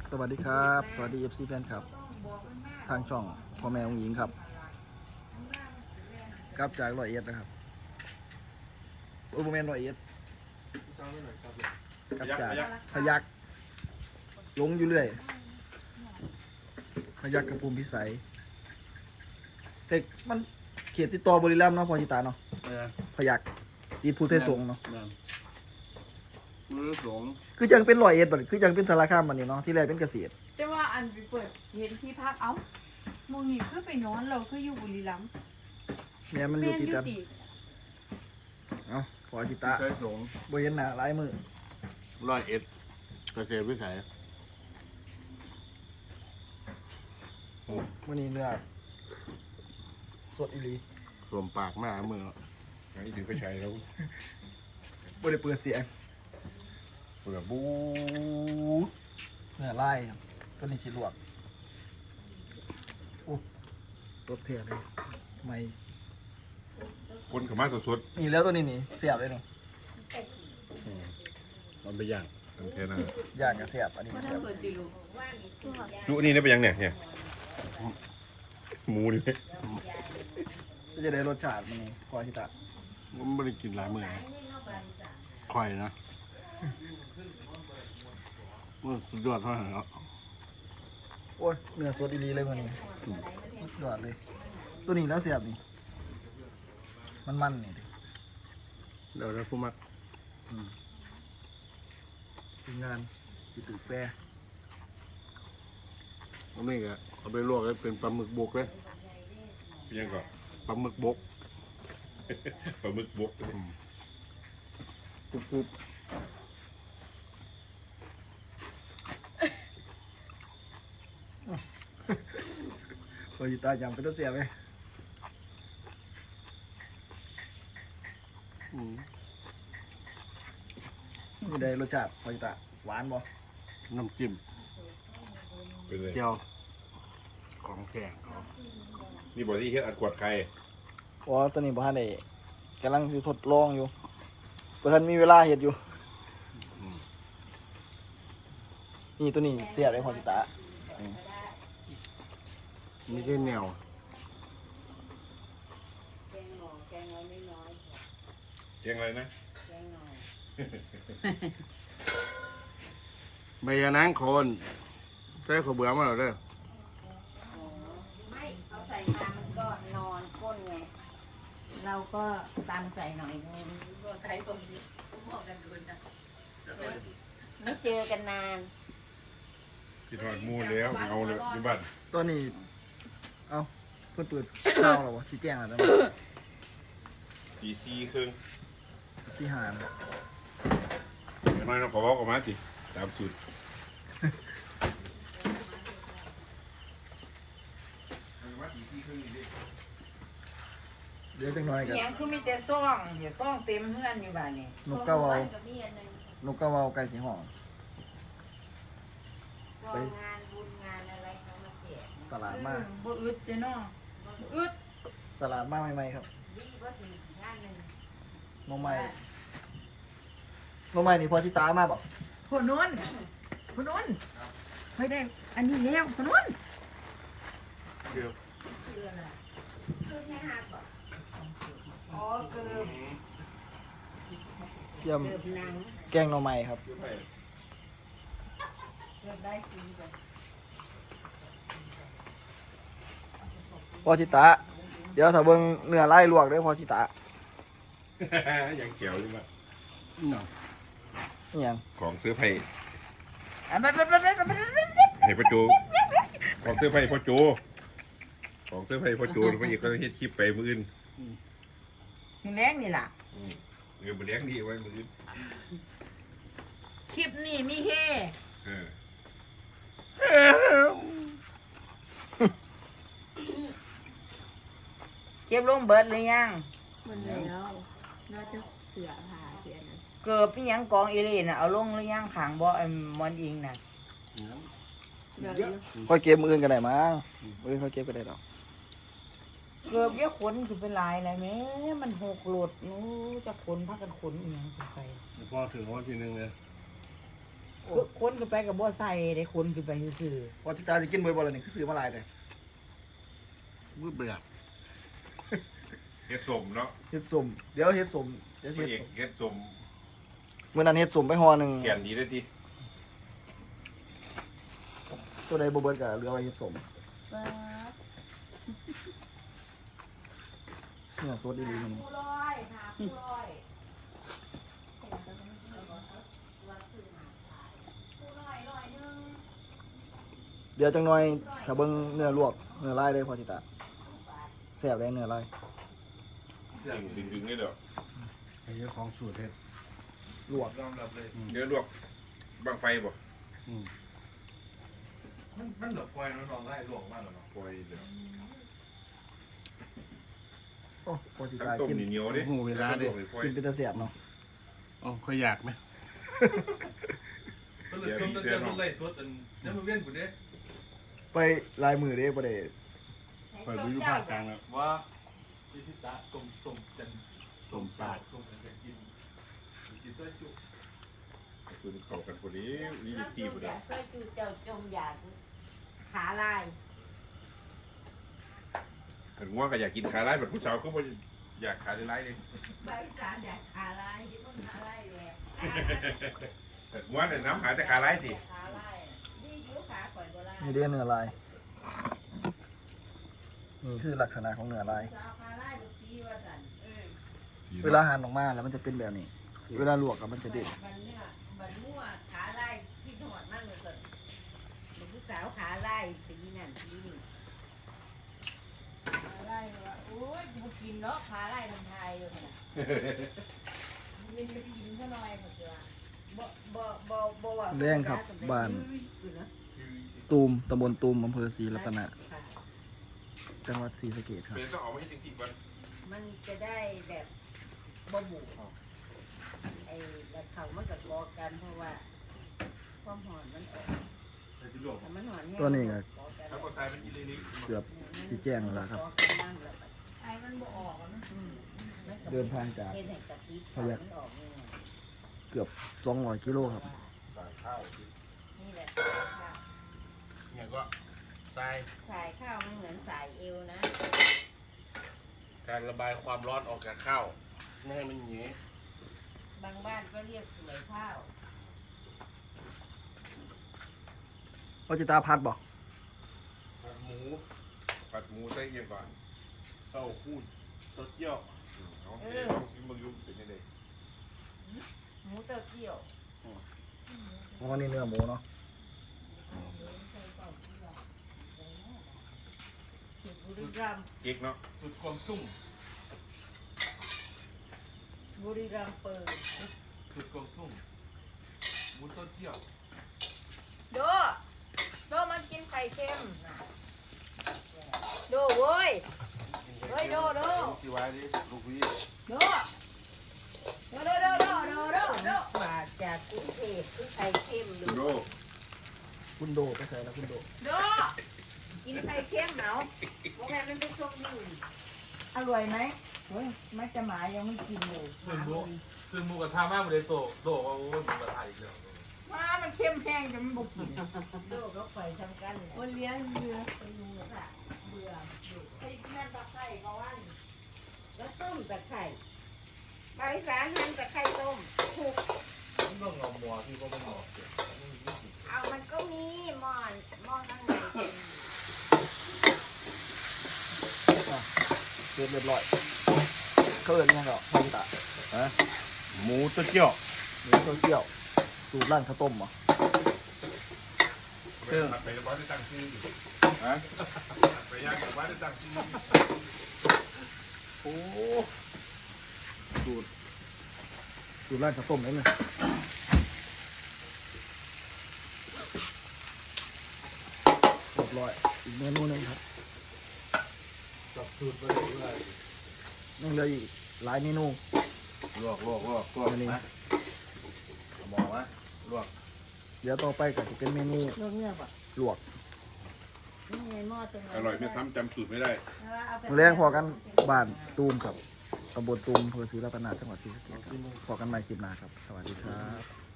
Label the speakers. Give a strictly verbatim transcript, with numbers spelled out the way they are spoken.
Speaker 1: สวัสดีครับสวัสดี เอฟ ซี แฟนครับทางช่องพ่อแม่องหญิงครับกลับจากร้อยเอ็ดนะครับโอ้โหแมนร้อยเอ็ดกลับจากพยักลงอยู่เรื่อยพยักกับภูมิพิสัยแต่มันเขตติดต่อบุรีรัมย์เนาะพอจิตาเนาะพยักตีภูเทศสงฆ์เนาะคือจังเป็นร้อยเอ็ดบัดคือจังเป็นสารคามบัดนี้เนาะที่แรกเป็นเกษตร
Speaker 2: แต่ว่าอันไปเปิดเห็นที่พักเอ้าโมงนี่คือไปนอนเราคืออยู่บุรีรัมย์
Speaker 1: เนี่ยมันอยู่ติดกัน
Speaker 2: ติด
Speaker 1: เอ้าพอจิตา
Speaker 3: ใช้สง
Speaker 1: บ่เห็นหน้าหลายมือ
Speaker 3: ร้อยเอ็ดเกษตรวิสัย
Speaker 1: มื้อนี้เนื้อสดอีหลี
Speaker 3: รวมปากมากมืออย่างนี้ถึงไปใช้แล้ว
Speaker 1: บ่ได้เปิดเสียง
Speaker 3: เปิดบู๊
Speaker 1: เนื้อลายครับตัวนี้สิลวกโอ้สดเท่เลยไม่
Speaker 4: คนขมาสด
Speaker 1: นี่แล้วตัวนี้นี่เสียบเลยเนาะ
Speaker 3: มันไปย่าง
Speaker 4: ๆทั้งแค่นั้น
Speaker 1: ย่างกับเสียบอันนี้
Speaker 2: เพราะ
Speaker 1: เสี
Speaker 2: ถ้าย
Speaker 1: บ
Speaker 2: เปิดติลูก
Speaker 4: จุนี่ได้ไปยังเนี่ยเนี่ยหมูนี่ไหม
Speaker 1: ก็จะได้รสชาติมันนี่พอชิตะ
Speaker 3: มันไม่ได้กินหลายมือนะค่อยนะมันสุดยอดเท่าไหร่แล้ว
Speaker 1: โอ้ยเนื้อสดอีหลีเลยมันนี่สุดยอดเลย ตัวนี้แล้วเสียบนี่มันมันนี่ดิ
Speaker 3: เดี๋ยวนะผู้มัก
Speaker 1: ทีมงานสิตือแปร
Speaker 3: อันนี้ก็เอาไปลวกให้เป็นปลาหมึกบกเลย
Speaker 4: ยังก่อน
Speaker 3: ปลาหมึกบก
Speaker 4: ปลาหมึกบก
Speaker 3: กรุบกรุบ
Speaker 1: พอชิตะยำเป็นตัวเสียบไหม
Speaker 3: อืม
Speaker 1: นี่ได้รสชาติพอชิตะหวานบ่
Speaker 3: น้ำจิ้ม
Speaker 4: เป็นเลย
Speaker 3: เจียวของแกงเขา
Speaker 4: นี่บอกที่เฮ็ดอัดกวดไข่
Speaker 1: อ๋อตัวนี้บ่ทันได้กำลังอยู่ทดลองอยู่บ่ทันมีเวลาเฮ็ดอยู่นี่ตัวนี้เสียบเลยพอชิตะ
Speaker 3: ไม่ใช่แนว
Speaker 4: เจียงอะไรนะ
Speaker 3: ใบยะนางโคนใส่ข้าวเบื่อมาแล้วเด้อ
Speaker 5: ไม่เขาใส่มามันก็นอนก้นไง เราก็ตามใส่หน่อยนึง
Speaker 2: ใช้ตรงนี้บอกกันดูนะ
Speaker 5: ไม่เจอกันนาน
Speaker 4: ที่ทอดหมูแล้วเอาเลยที่บ้าน
Speaker 1: ตัวนี้เอ้าเพิ่นเปิดข้าวแล้วบ่สิแจ้งแล้วนะ
Speaker 4: ตีซีครึ่ง
Speaker 1: ที่หาน
Speaker 4: อย่างน้อยเราขอบอกออกมาสิตามสูตร
Speaker 1: เดี๋ยวจังหน่อยกัน
Speaker 6: เสียงคือมีแต่ซ่องเดี๋ยวซ่องเต็มเฮือนอยู่บ้านนี่
Speaker 1: นกกระเวา
Speaker 5: กับมีอันหนึง
Speaker 1: นกกระเวาไก่สีห้อง
Speaker 5: กองงานบุญงานอะไรเขามาแจก
Speaker 1: ตลาดมาก
Speaker 6: บ่อึดเจ้เนาะบ่อึด
Speaker 1: ตลาดมากใหม่ๆครับ
Speaker 5: ดีว่าถึงงานหนึ่ง
Speaker 1: น้องใหม่น้องใหม่นี่พอชิตามาบอก
Speaker 6: พอนุ่นพอนุ่นไม่ได้ อันนี้แล้วพอนุ่น
Speaker 3: เดี๋ยว
Speaker 5: ซื้ออะไรซื้อแค่ห้าบาทอ๋อเกือบ
Speaker 1: เตรียม
Speaker 5: เกือบหนัง
Speaker 1: แกงหน้องใหม่ครับ
Speaker 5: เกือบได้สี่บาท
Speaker 1: พอชิตาเดี๋ยวถ้าเบิ่งเนื้อไล่ลวกเด้อพอชิตา
Speaker 4: ยังเกี่ยวใช่ไหม
Speaker 3: เนาะ
Speaker 1: นี่หยัง
Speaker 4: ของเสื้อไผ่
Speaker 6: อ่ะบัดบัดบัดบัดบัดบัด
Speaker 4: ให้พ่อโจของเสื้อไผ่พ่อโจของเสื้อไผ่พ่อโจพระเอกก็เฮ็ดคลิปไปมืออื่น
Speaker 6: มีแรงนี่ล่ะ
Speaker 4: เออมาเลี้ยงดีไว้มืออื่น
Speaker 6: คลิปนี้มีเฮ
Speaker 4: เออ
Speaker 6: เก็บลงเบิดหรือยัง
Speaker 2: มันแล้วน่าจะเสือผ่าเสียนะ
Speaker 6: เกือบพี่ยังกองเอเลน่ะเอาลงหรือยังขางบ่ไอ้มอนอิงน่ะ
Speaker 2: เดี๋ยวนี้
Speaker 1: ค่อยเก็บมืออื่นกันได้มั้งมืออื่นค่อยเก็บก็ได้ดอก
Speaker 6: เกือบเยอะขนคือเป็นลายอะไรแม่มันหกโหลดนู้จะขนพักกันขนอีหยังขึ้นไป
Speaker 3: พอถึงวันที่หนึ่งเลย
Speaker 6: คนขึ้นไปกับบ่ใส่ได้คนขึ้นไปซื่อ
Speaker 1: พอจิตาสิกินเบิดบ่ล่ะนี่คือซื้อมาหลายเลย
Speaker 3: มืดเบื่อ
Speaker 4: เฮ็ดสมเนาะ
Speaker 1: เฮ็ดสมเดี๋ยวเฮ็ดสมเดี๋ยว
Speaker 4: พระ
Speaker 1: เฮ็ด
Speaker 4: เอก
Speaker 1: สม
Speaker 4: เฮ็ดสม
Speaker 1: มื้อนั้นเฮ็ดสมไปห่อหนึง
Speaker 4: เขียนดีได้ที
Speaker 1: ตัวใดบ่เบิดก็เหลือไว้เฮ็ดสม
Speaker 2: ป๊าด
Speaker 1: เนี่ยสดดีๆมัน
Speaker 5: ผู้ร้อยหาผู้ร้อยผู้ร้อยร้อยหนึง
Speaker 1: เดี๋ยวจังหน่อยถ้าเบิ่งเนื้อลวกเนื้อลายได้พอจิตาแซ่บได้เนื้อลาย
Speaker 4: ดึงดึงดึงได้เด้อ
Speaker 3: ไอ้เจ้าของสูตรเฮ็ด
Speaker 1: ลวก
Speaker 4: เดี๋ยวลวกบังไฟบ่
Speaker 3: อืม
Speaker 7: มันมันเหลือปล่อยน้องๆไล่ลวกมากเลยเนาะ
Speaker 4: ปล่อยเด้อ
Speaker 1: โอ้พอจิ
Speaker 4: ทั้ง
Speaker 1: ตา
Speaker 4: ต้ม
Speaker 1: กิน
Speaker 4: เหนียวๆดิ
Speaker 3: หูเวลาดิ
Speaker 4: แวก็วกปล่อย
Speaker 1: กินเป็นตาแซ่บเนาะ
Speaker 3: อ๋อค่อยอยากไหม
Speaker 7: มันเหลือจมตั้งแต่มันไล่สดอันนั้นมันเว้นกูเด้
Speaker 1: ไปลายมือเด้บ่ได้
Speaker 3: เปิดวิวภาคกลางแล้ว
Speaker 7: ว่าพิชิตะสมสมจัน
Speaker 3: สมศาสตร์
Speaker 7: สมจันกินกินซอยจุ
Speaker 4: คุณเข้ากันพอดีนี่
Speaker 5: ถ้า
Speaker 4: ที่
Speaker 5: จู
Speaker 4: พอ
Speaker 5: อ
Speaker 4: ดี
Speaker 5: ยากซอยจูเจ้าจมอยากขาลาย
Speaker 4: ถึงว่าก็อยากกินขาไล่แบบผู้สาวก็บ่อยากขาไล่เลย
Speaker 5: ใบสารอยากขาลายที่มันขาลายแหละ
Speaker 4: แต่ว่าเนี่ยน้ำหาแต่ขาไล่สิ
Speaker 5: ขาลายนี่อยูขาข่อยโบราณ
Speaker 1: นี่เด้เนื้อลายนี่คือลักษณะของเนื้อลาย
Speaker 5: สาวขาลายลูกพี่ว่าสันเออ
Speaker 1: เวลาหั่นออกมาแล้วมันจะเป็นแบบนี้ เวลาลวกอะมันจะเด็ด
Speaker 5: บันเนื้อบันมั่วขาลายที่ถอดมั่งเลยสันลูกสาวขาลายปีนั่นปีนี่ขาลายว่าโอ้ยกูกินเนาะขาลายทำไทยเลยนะมันจะกินเท่าน้อยหมดเลยบ่บ่บ่บ่ว่า
Speaker 1: แรงครับบ้านตูมตำบลตูมอำเภอศรีรัตนะจังหวัดศรีสะเกษครับ
Speaker 4: เป็นต้องออกมาให้จริงๆก่อน
Speaker 5: มันจะได้แบบบ่หมูไอ้แล้วเขามันก็กอกันเพราะว่าความหอนมันออก
Speaker 7: ไอ้สิลวก
Speaker 5: ถ้ามันหอนแห้ง
Speaker 1: ตัวนี้ก็
Speaker 5: กอกัน
Speaker 4: ถ้าก็ใส่เป็นอีลิ
Speaker 1: เกือบสีแจ้งแล้วครับ
Speaker 5: กอกันนั่นแหละ
Speaker 2: ไอ้มันบ่ออกอะนะ
Speaker 5: อืมมันก็
Speaker 1: เดินทางจาก
Speaker 5: เฮ็ดให้กะทิ
Speaker 1: พยัคฆ์
Speaker 5: มันออกนี่ไง
Speaker 1: เกือบสองร้อยกิโลครับ
Speaker 4: ใส่ข้าว
Speaker 5: นี่แหละข้าว
Speaker 3: เนี่ยก็ทราย
Speaker 5: สายข้าวไม่เหมือนสายเอวนะ
Speaker 3: การระบายความร้อนออกจากข้าวไม่ให้มันหยี
Speaker 5: บางบ้านก็เรียกสวยข้าว
Speaker 1: พอจิตาพัดบอก
Speaker 3: ผัดหมู
Speaker 4: ผัดหมูใส่เยี่ยมก่อน
Speaker 3: เต้าหู้เต้าเจี้ยว
Speaker 4: เอาเดี๋ยวลองชิมมึงดูเป็นยังไง
Speaker 5: หมูเต้าเจี้ยว
Speaker 1: เพราะว่านี่เนื้อหมูเนาะ
Speaker 5: บุรีรัมย์
Speaker 4: เก๊กเนาะ
Speaker 7: สุดความซุ่ม
Speaker 5: บุรีรัมย์เปิด
Speaker 7: สุดความซุ่มหมูต้นเจียว
Speaker 5: โดโดมันกินไข่เค็มโดเว้ย เฮ้ยโดโด
Speaker 3: ที่ไว้ดิลูกพี่
Speaker 5: โดโดโดโดโดโดโดโดมาจากกรุงเทพคือไข่เค็มดู
Speaker 4: ดูโด
Speaker 1: คุณโดไปใส่แล้วคุณโด
Speaker 5: โดกินไข่เค็มเนาะว่าแม่มันเป็นส้มนี่อร่อยไหมเฮ้ยมันจะหมายังไม่กินเลย
Speaker 7: ซึ่งหมูซึ่งหมูกระทะมากเลยโตโตว่าโอ้ยหมูกระทะอีกแล้ว
Speaker 6: ว่ามันเข้มแห้งจนมันบุกกิน
Speaker 5: โดก็ปล่อยทำกัน
Speaker 2: โอเลี้ยงเรือ
Speaker 5: ไปดูค่ะเบื่อดูไอ้แม่ตะไคร้ก็วันแล้วต้มตะไคร้ใบสารหั่นตะไคร้ต้มถูก
Speaker 7: มันต้องงอมัวที่ก็ไม่งอเสีย
Speaker 5: เอามันก็มีหม้อนหม้อข้างในเป็น
Speaker 1: เสร็จเรียบร้อยเขาเอิ้นยังก็พอจิตา
Speaker 3: หมูเต้าเจี้ยว
Speaker 1: หมูเต้าเจี้ยวสูตรร้านข้าวต้มเหรอ
Speaker 4: เครื่องไปแล้วบ้านได้ตั้งชื่ออยู่ฮะไปย่างกับบ้านได้ตั้งชื่อ
Speaker 1: โอ้สูตรสูตรร้านข้าวต้มเลยเนี่ยเรียบร้อยอีกเมนูหนึงครับ
Speaker 7: จับสูตรไปเลย
Speaker 1: ยังเหลืออีกหลายเมนู
Speaker 3: ลวกลวกลวกลวก
Speaker 1: อันนี้
Speaker 3: นะมองนะลวก
Speaker 1: เดี๋ยวต่อไปก็จะเป็นเมนู
Speaker 5: ลวกเนื้อป่ะ
Speaker 1: ลวก
Speaker 5: นี่ไงหม้อตรงนั้น
Speaker 4: อร่อยไม่ซ้ำจำสูตรไม่ได้
Speaker 1: มื้อแรงพอกันบ้านตูมครับตำบลตูมอำเภอศรีรัตนาจังหวัดศรีสะเกษครับพอกันใหม่คลิปหน้าครับ สวัสดีครับ